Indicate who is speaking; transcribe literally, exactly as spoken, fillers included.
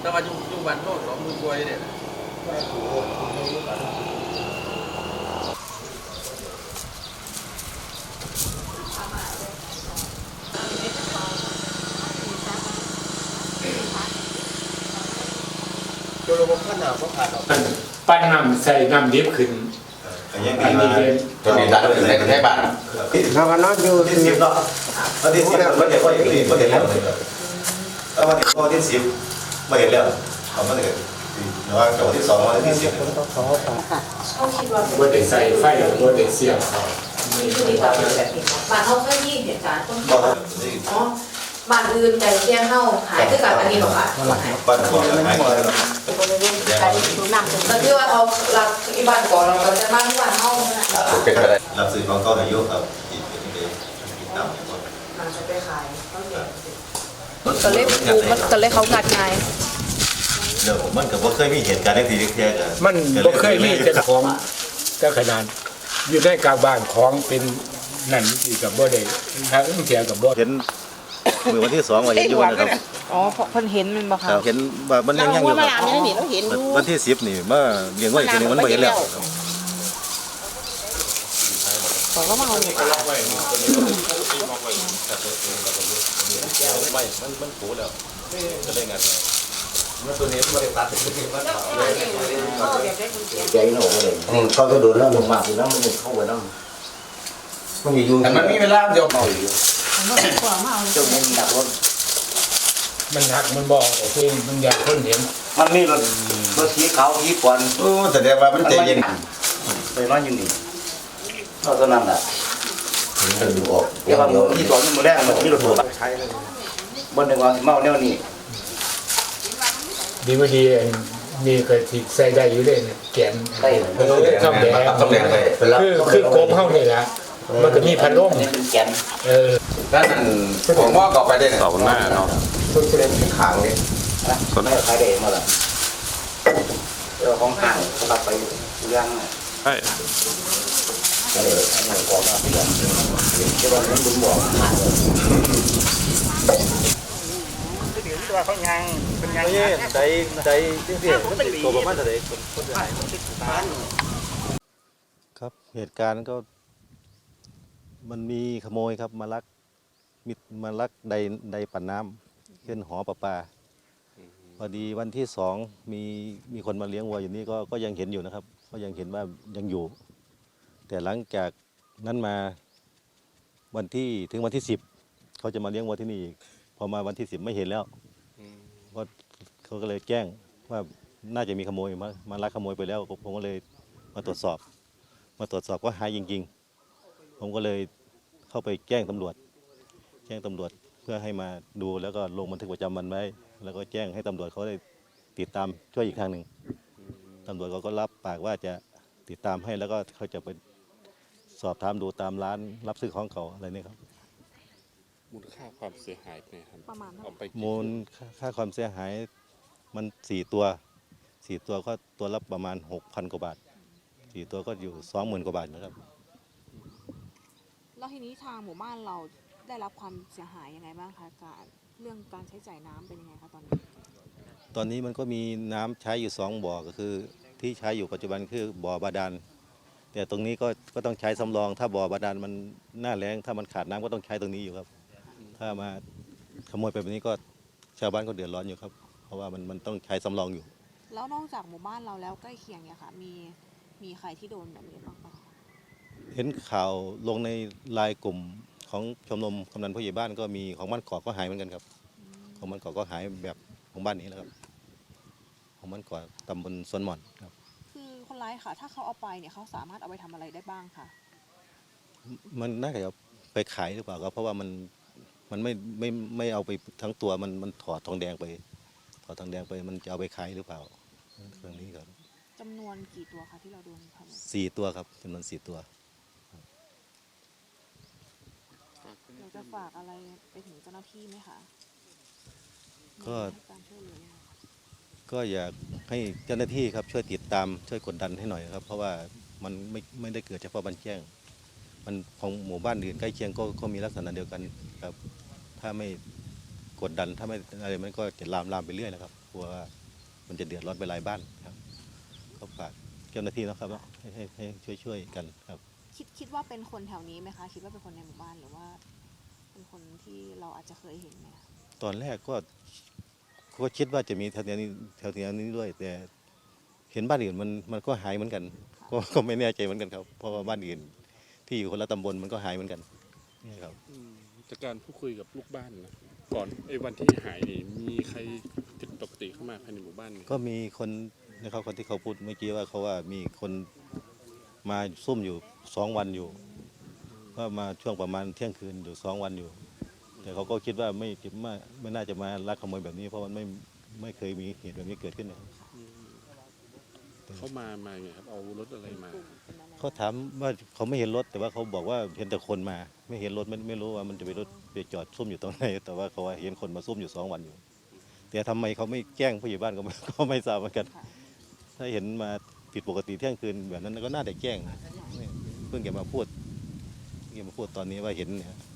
Speaker 1: ถ้ามาอยู่อยู่บ้านโน่นสองมือกล้วยเนี่ย
Speaker 2: ตัวระบบขนาดเขาขาดออก
Speaker 3: ปั้นน้ำใส่น้ำดิบขึ้น
Speaker 4: อันนี้ตัวนี้ดันในประเทศบ้าน
Speaker 2: เราก็นอนอยู่
Speaker 4: ที่สิบเนาะวันที่สิบมันเห็นว่าอย่างนี้มันเห็นแล้วแล้ววันที่วันที่สิบมาเห็นแล้วเขาไม่เห็นแต่ว่าวันที่สองวันที่สิบ
Speaker 3: ว่าเด็กใส่ไฟหรือว่าเด็กเสียบ
Speaker 5: นี่คือดีกว่าแบบนี้บ้านเขาเคยมีเหตุการณ์ต้นที่อ๋อบ้านอื่นแต่เที่ยงเข้าหายด้วยกันอันนี้หรอคะ
Speaker 4: บ้านก่อนหายไปแล้ว
Speaker 5: แต่ที่ว่าเขาหลักที่บ้านก่อนเราจะบ้านที่บ้านเข้า
Speaker 4: เป็นไปได้รับซื้อของเขาอายุครับอีกเป็นเด็กติดตาม
Speaker 5: มันจะไปขายเขาเห็นก็เลยปูมันก็เลยเขางัดไง
Speaker 4: เดี๋ยวมันกับว่าเคยมีเหตุการณ์ที่แท้ๆกัน
Speaker 3: มันก็เคยมีเจ้าของเจ้าขนาดอยู่ในกลางบ้านของเป็นนั่นที่กับบ่ได้ทางเสียกับบ่
Speaker 4: เห็นเมื่อวันที่สองวันเห็นอยู่นะครับ
Speaker 5: อ๋อเพิ่นเห็นมันบ่คะ
Speaker 4: เห็นว่ามันยังยังอยู่ครับวันที่สิบนี่มาเลี้ยงไว้ทีนึงมันไม่เห็นแล้ว
Speaker 5: บอกว่ามาเอาเนี่ย
Speaker 4: ไม่มันมันผูแล้วจะได้งานมันตัวนี้ไม่ได้ตัดเป็นที่มัน
Speaker 2: ใจหนูเลยเขาจะโดนแล้วลงมาคือน้ำมันเข้าไปน้ำมันอยู่
Speaker 1: แต่มันมีเวลาเดียวเมาอยู่
Speaker 2: เจ้ามันดักรถ
Speaker 3: มันหักมันบอกโอเคมันอยากคนเห็น
Speaker 2: มันมีรถรถสีขาวสีควัน
Speaker 4: โอ้แต่เดี๋ยวว่ามันใจเย็น
Speaker 2: ไปนอนอยู่นี่นอนตอนนั้นแหละเดี๋ยวที่ก่อนมันแรกมันมีรถหัวใช้เลยบนหนึ่งวันเมาแนวนี้
Speaker 3: ดีไม่ดีมีเคยติดใส่ได้อยู่เลยเนี่ยแกนทำแดง
Speaker 4: ทำแดงเลย
Speaker 3: คือคือโกมเข้านี่แหละมันก็มีพันร่มเออ
Speaker 1: นั่นผมว่าก่อไปได้
Speaker 4: สองหน้าเนาะ
Speaker 2: ต้นเล็กขางเลยนะไม่ขายเด็กมาละเรื่องของห่างสลับไปเรื่อง
Speaker 4: ใช่
Speaker 2: เออหนังกรอบนะพี่ที่ว่านั้นบุญบอกห่างเลยตัวเขายังเป็นยังไงใจใจจริงๆตัวประมาณเท่าไหร่คนคนจะหาย
Speaker 4: ครับเหตุการณ์ก็มันมีขโมยครับมาลักมิดมาลักใดใดปั่นน้ำขึ้นหอประปาพอดีวันที่สองมีมีคนมาเลี้ยงวัวอยู่นี่ก็ก็ยังเห็นอยู่นะครับก็ยังเห็นว่ายังอยู่แต่หลังจากนั้นมาวันที่ถึงวันที่สิบเขาจะมาเลี้ยงวัวที่นี่อีกพอมาวันที่สิบไม่เห็นแล้วก็เขาก็เลยแจ้งว่าน่าจะมีขโมยมามาลักขโมยไปแล้วผมก็เลยมาตรวจสอบมาตรวจสอบก็หายจริงๆผมก็เลยเข้าไปแจ้งตำรวจแจ้งตำรวจเพื่อให้มาดูแล้วก็ลงบันทึกประจำวันไว้แล้วก็แจ้งให้ตำรวจเขาได้ติดตามช่วยอีกทางหนึ่งตำรวจเขาก็รับปากว่าจะติดตามให้แล้วก็เขาจะไปสอบถามดูตามร้านรับซื้อของเขาอะไรนี่ครับ
Speaker 6: มูลค่าความเสียหายเนี่ยครับประมาณ
Speaker 4: มูลค่าความเสียหายมันสี่ตัวสี่ตัวก็ตัวละประมาณหกพันกว่าบาทสี่ตัวก็อยู่สองหมื่นกว่าบาทนะครับ
Speaker 5: แล้วทีนี้ทางหมู่บ้านเราได้รับความเสียหายยังไงบ้างคะการเรื่องการใช้จ่ายน้ำเป็นยังไงคะตอนนี้
Speaker 4: ตอนนี้มันก็มีน้ำใช้อยู่สองบ่อก็คือที่ใช้อยู่ปัจจุบันคือบ่อบาดาลแต่ตรงนี้ก็ก็ต้องใช้สำรองถ้าบ่อบาดาลมันหน้าแล้งถ้ามันขาดน้ำก็ต้องใช้ตรงนี้อยู่ครับถ้ามาขโมยไปแบบนี้ก็ชาวบ้านก็เดือดร้อนอยู่ครับเพราะว่ามันมันต้องใช้สำรองอยู่
Speaker 5: แล้วนอกจากหมู่บ้านเราแล้วใกล้เคียงเนี่ยค่ะมีมีใครที่โดนแบบนี้บ้างปะ
Speaker 4: เห็นข่าวลงในไลน์กลุ่มของชมรมกำนันผู้ใหญ่บ้านก็มีของบ้านเกาะก็หายเหมือนกันครับของบ้านเกาะก็หายแบบของบ้านนี้แล้วครับของบ้านเกาะตำบลสวนหม่อนครับ
Speaker 5: คือคนร้ายค่ะถ้าเขาเอาไปเนี่ยเขาสามารถเอาไปทำอะไรได้บ้างคะ
Speaker 4: มันน่าจะไปขายหรือเปล่าครับเพราะว่ามันมันไม่ไม่ไม่เอาไปทั้งตัวมันมันถอดทองแดงไปถอดทองแดงไปมันจะเอาไปขายหรือเปล่าเรื่องนี้ครับ
Speaker 5: จำนวนกี่ตัวคะที่เราโดนครับ
Speaker 4: สี่ตัวครับจำนวนสี่ตัว
Speaker 5: เราจะฝากอะไรไปถึงเจ้าหน้าที่ไหมคะ
Speaker 4: ก็ก็อยากให้เจ้าหน้าที่ครับช่วยติดตามช่วยกดดันให้หน่อยครับเพราะว่ามันไม่ไม่ได้เกิดเฉพาะบ้านแจ้งมันของหมู่บ้านอื่นใกล้เคียงก็ก็มีลักษณะเดียวกันครับถ้าไม่กดดันถ้าไม่อะไรมันก็จะลามลามไปเรื่อยนะครับกลัวว่ามันจะเดือดร้อนไปหลายบ้านครับก็ฝากเจ้าหน้าที่นะครับว่าให้ให้ให้ช่วยช่วยกันครับ
Speaker 7: คิดคิดว่าเป็นคนแถวนี้ไหมคะคิดว่าเป็นคนในหมู่บ้านหรือว่า เป็นคนที่เราอาจจะเคยเห็นไหมคะ
Speaker 4: ตอนแรกก็ก็คิดว่าจะมีแถวนี้แถวนี้ด้วย แต่เห็นบ้านอื่นมันมันก็หายเหมือนกันก็ก็ไม่แน่ใจเหมือนกันครับเพราะว่าบ้านอื่นที่อยู่คนละตำบลมันก็หายเหมือนกันนี่ครับ
Speaker 6: อืมจากการพูดคุยกับลูกบ้านนะก่อนไอ้วันที่หายนี่มีใครผิดปกติเข้ามาภายในหมู่บ้านไหม
Speaker 4: ก็มีคนนะครับคนที่เขาพูดเมื่อกี้ว่าเขาว่ามีคนมาซุ่มอยู่สองวันอยู่ก็มาช่วงประมาณเที่ยงคืนอยู่สองวันอยู่ แต่เขาก็คิดว่าไม่ไม่ไม่น่าจะมาลักขโมยแบบนี้เพราะมันไม่ไม่เคยมีเหตุแบบนี้เกิดขึ้นนะครับ
Speaker 6: เขามามาไงครับเอารถอะไรมา
Speaker 4: เขาถามว่าเขาไม่เห็นรถ แต่ว่าเขาบอกว่าเห็นแต่คนมา ไม่เห็นรถไม่ไม่รู้ว่ามันจะไปรถไปจอดซุ่มอยู่ตรงไหนแต่ว่าเขาว่าเห็นคนมาซุ่มอยู่สองวันอยู่ แต่ทำไมเขาไม่แจ้งผู้ใหญ่บ้านก็ไม่ ก็ไม่ทราบเหมือนกัน ถ้าเห็นมาผิดปกติเที่ยงคืนแบบนั้นก็น่าจะแจ้งเพิ่งจะมาพูดเพิ่งจะมาพูดตอนนี้ว่าเห็นเนี่ย